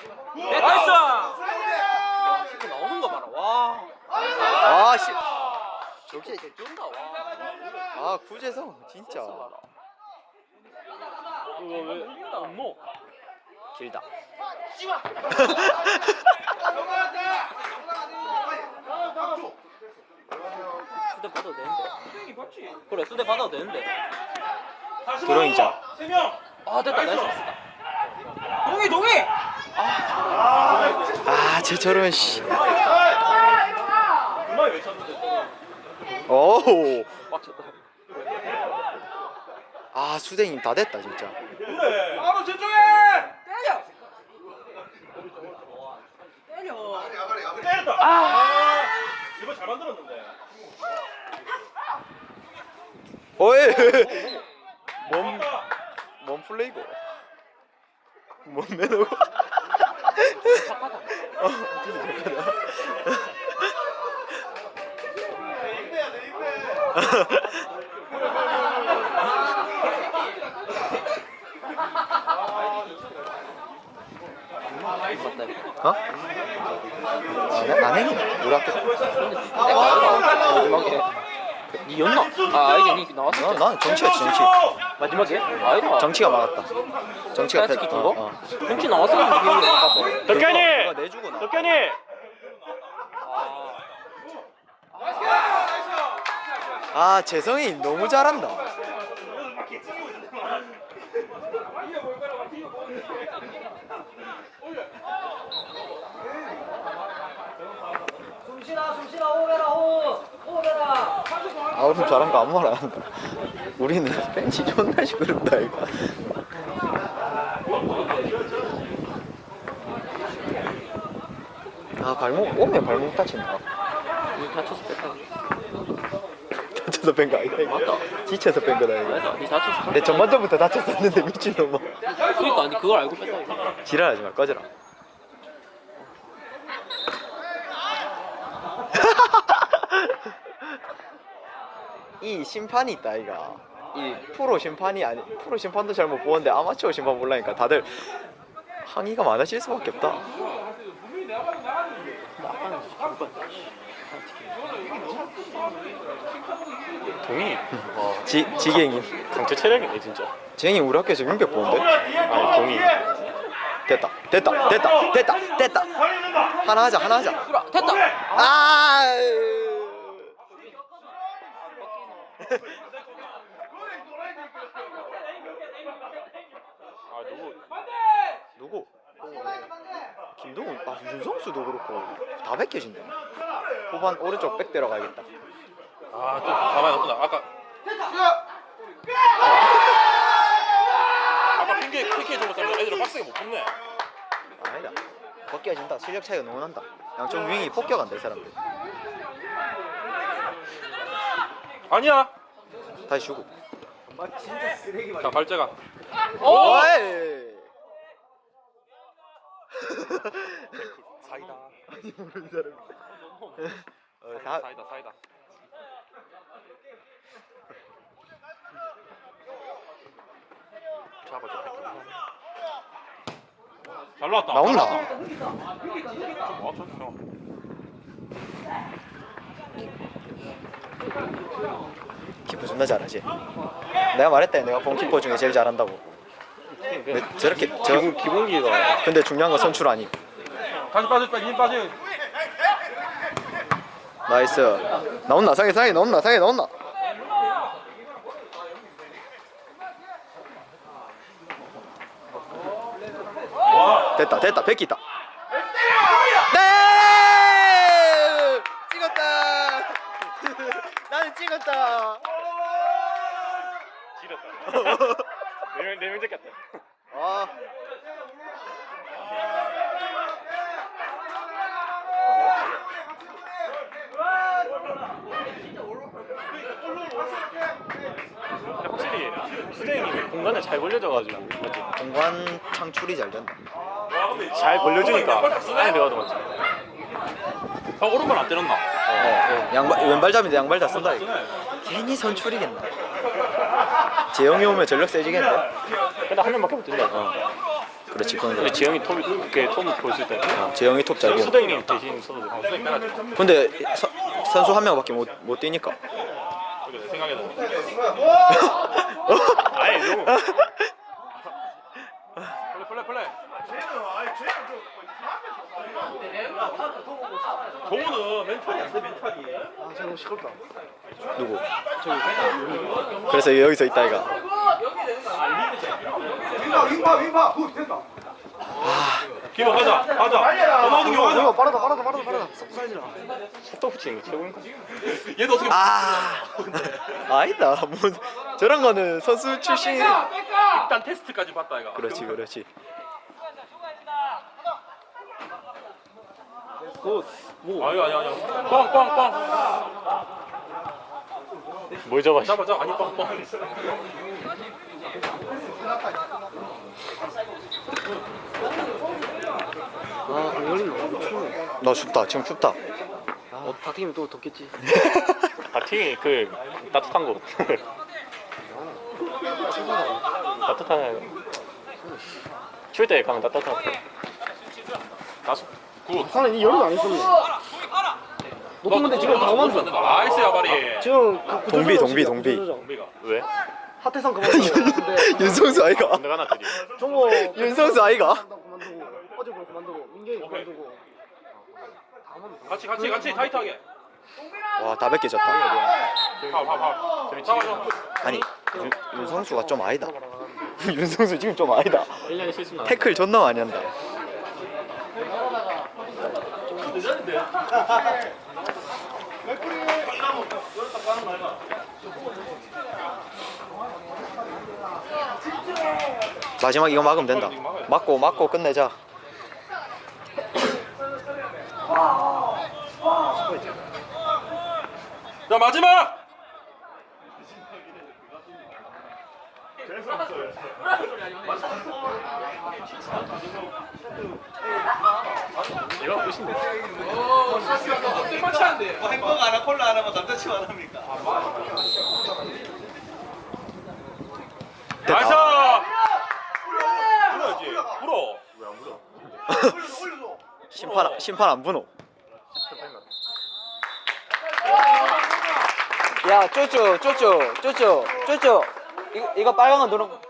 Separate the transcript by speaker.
Speaker 1: 나이스. 이거 나오는 거 봐라. 와.
Speaker 2: 아 씨. 저게
Speaker 1: 쫀다 와.
Speaker 2: 아 구재성 진짜
Speaker 1: 이거 왜안 넣어?
Speaker 2: 길다.
Speaker 1: 수대 받아도 되는데. 그래 수대 받아도 되는데.
Speaker 2: 도령이자.
Speaker 1: 아 됐다 나이스. 동이.
Speaker 2: 아 쟤처럼 씨. 오.
Speaker 1: 빡쳤다.
Speaker 2: 아 수댕이 다 됐다 진짜.
Speaker 3: 바로 저쪽에.
Speaker 1: 때려.
Speaker 3: 때렸다. 아. 이거 잘 만들었는데.
Speaker 2: 어이. 뭔 플레이고? 뭔 매너고?
Speaker 1: 착하다.
Speaker 2: 진짜 착하다. 어? 안 행이네. 우리 학교.
Speaker 1: 마지막에 니였나? 아 아니야 니 나왔어.
Speaker 2: 난 정치였지 정치.
Speaker 1: 마지막에? 아니다.
Speaker 2: 정치가 막았다. 정치가
Speaker 1: 패스 킨 거?
Speaker 2: 어.
Speaker 1: 정치 나왔었는데 기억이 못 갔어.
Speaker 3: 덕현이.
Speaker 2: 그거 내주고 나.
Speaker 3: 덕현이.
Speaker 2: 아 재성이 너무 잘한다.
Speaker 1: 숨쉬라 호흡해라.
Speaker 2: 아 우리 잘한 거 아무 말 안 한다. 우리는 벤치 존나 시끄럽다 이거. 아 발목 오면 발목 다친다.
Speaker 1: 니 다쳐서 뺐다.
Speaker 2: 다쳐서 뺀 거 아니다 이거.
Speaker 1: 맞다.
Speaker 2: 지쳐서 뺀 거다 이거.
Speaker 1: 맞아. 니 다쳐서.
Speaker 2: 내 전반전부터 다쳤었는데 미친놈아.
Speaker 1: 그러니까 니 그걸 알고 뺐다 이거.
Speaker 2: 지랄하지 마 꺼져라. 이 심판이 있다 이가. 이 프로 심판이 아니 프로 심판도 잘못 보는데 아마추어 심판 몰라니까 다들 항의가 많아질 수밖에 없다.
Speaker 3: 동이.
Speaker 2: 지갱이.
Speaker 3: 강제 체력이네 진짜.
Speaker 2: 지갱이 우리 학교에서 민백 보는데?
Speaker 3: 아니 동이.
Speaker 2: 됐다. 하나 하자.
Speaker 1: 그래 됐다.
Speaker 2: 아.
Speaker 3: 아
Speaker 2: 누구? 김동훈. 아 윤성수도 그렇고 다 벗겨진다. 후반 오른쪽 백 들어가야겠다.
Speaker 3: 아또 가만히 놨구나. 아까 핑계 PK 줘봤는데 애들은 빡세게 못 붙네.
Speaker 2: 아니다. 벗겨진다. 실력 차이가 너무 난다. 양쪽 윙이 폭격한다 이 사람들.
Speaker 3: 아니야.
Speaker 2: 다시 주고.
Speaker 3: 자 발재가.
Speaker 2: 오이.
Speaker 3: 사이다.
Speaker 2: 아니 모르는 사람. 다
Speaker 3: 사이다. 잡아줘. 잘 나왔다.
Speaker 2: 나온다. 키퍼 존나 잘하지. 내가 말했다. 내가 본 키퍼 중에 제일 잘한다고. 왜 저렇게 저
Speaker 3: 기본기가.
Speaker 2: 근데 중요한 건 선출 아니.
Speaker 3: 다시 빠졌다. 힘 빠져.
Speaker 2: 나이스. 나온나 상해 나온나. 됐다. 백기 있다. 네! 찍었다. 나는 찍었다.
Speaker 3: 지렸다. 네명 잡겠다.
Speaker 2: 아.
Speaker 3: 확실히 수댕이 공간을 잘 벌려줘가지고 맞지?
Speaker 2: 공간 창출이 잘 된다.
Speaker 3: 잘 벌려주니까 안에 들어가도 맞지? 오른발 안 때렸나?
Speaker 2: 양발 왼발잡인데 양발 다 쓴다 이거. 괜히 선출이겠나. 재영이 오면 전력 세지겠는데.
Speaker 3: 근데 한 명밖에 못 뛴다.
Speaker 2: 그렇지 그건
Speaker 1: 근데
Speaker 2: 그렇지.
Speaker 1: 지영이 톰 보여줄 때
Speaker 2: 재영이 톱 잘 보고.
Speaker 1: 수댕이 대신 써도 돼. 수댕 빼놨지.
Speaker 2: 근데 선수 한 명밖에 못 뛰니까.
Speaker 3: 내 생각에는
Speaker 1: 아예 너무
Speaker 3: 플레이. 동우는 멘탈이 안 돼, 멘탈이.
Speaker 2: 누구? 그래서 여기서 있다 이가.
Speaker 3: 기호 가자. 더 나오는 게 가자.
Speaker 4: 빠르다. 사이즈라.
Speaker 1: 속도 붙이는 게 최고인가?
Speaker 3: 얘도 어떻게
Speaker 2: 아니다. 뭐 저런 거는 선수 출신.
Speaker 3: 일단 테스트까지 봤다 이거.
Speaker 2: 그렇지.
Speaker 3: 아니야. 꽝.
Speaker 1: 뭘 잡아?
Speaker 3: 잡아. 아니 꽝.
Speaker 4: 아, 강렬이는 추워.
Speaker 2: 나 춥다. 지금 춥다.
Speaker 4: 아, 박팀이 또 덥겠지.
Speaker 1: 바팅이 그 따뜻한 거. 따뜻한 추울 때 가면 따뜻한 거.
Speaker 3: 다섯. 굿.
Speaker 4: 사는 이 여름 안 했었네. 높은 건데 지금 다 오만 줘.
Speaker 3: 나이스 야바리.
Speaker 4: 지금 그
Speaker 2: 동비.
Speaker 3: 동비가.
Speaker 1: 왜?
Speaker 4: 하태상 그만 근데
Speaker 2: 윤성수 아이가.
Speaker 1: 내가 하나 드리.
Speaker 4: 종호
Speaker 2: 윤성수 아이가.
Speaker 4: 그만두고 어제 볼 그만두고 민경이
Speaker 3: 오케이.
Speaker 4: 그만두고
Speaker 3: 같이 타이트하게.
Speaker 2: 와 다 벗겨졌다.
Speaker 3: 파울. 잡아.
Speaker 2: 아니 윤성수가 좀 아니다. 윤성수 지금 좀 아니다.
Speaker 1: 1년에 실수 나.
Speaker 2: 태클 존나 많이 한다. 마지막 이거 막으면 된다. 막고 끝내자.
Speaker 3: 자 마지막.
Speaker 1: 이거 끝인데.
Speaker 5: 햄버거 하나 콜라 하나만 남자친구 안 합니까?
Speaker 3: 나이스. 불어야지. 불어. 왜안 불어?
Speaker 2: 심판 안 분호. 야 쪼쪼 이거 빨간 거 누른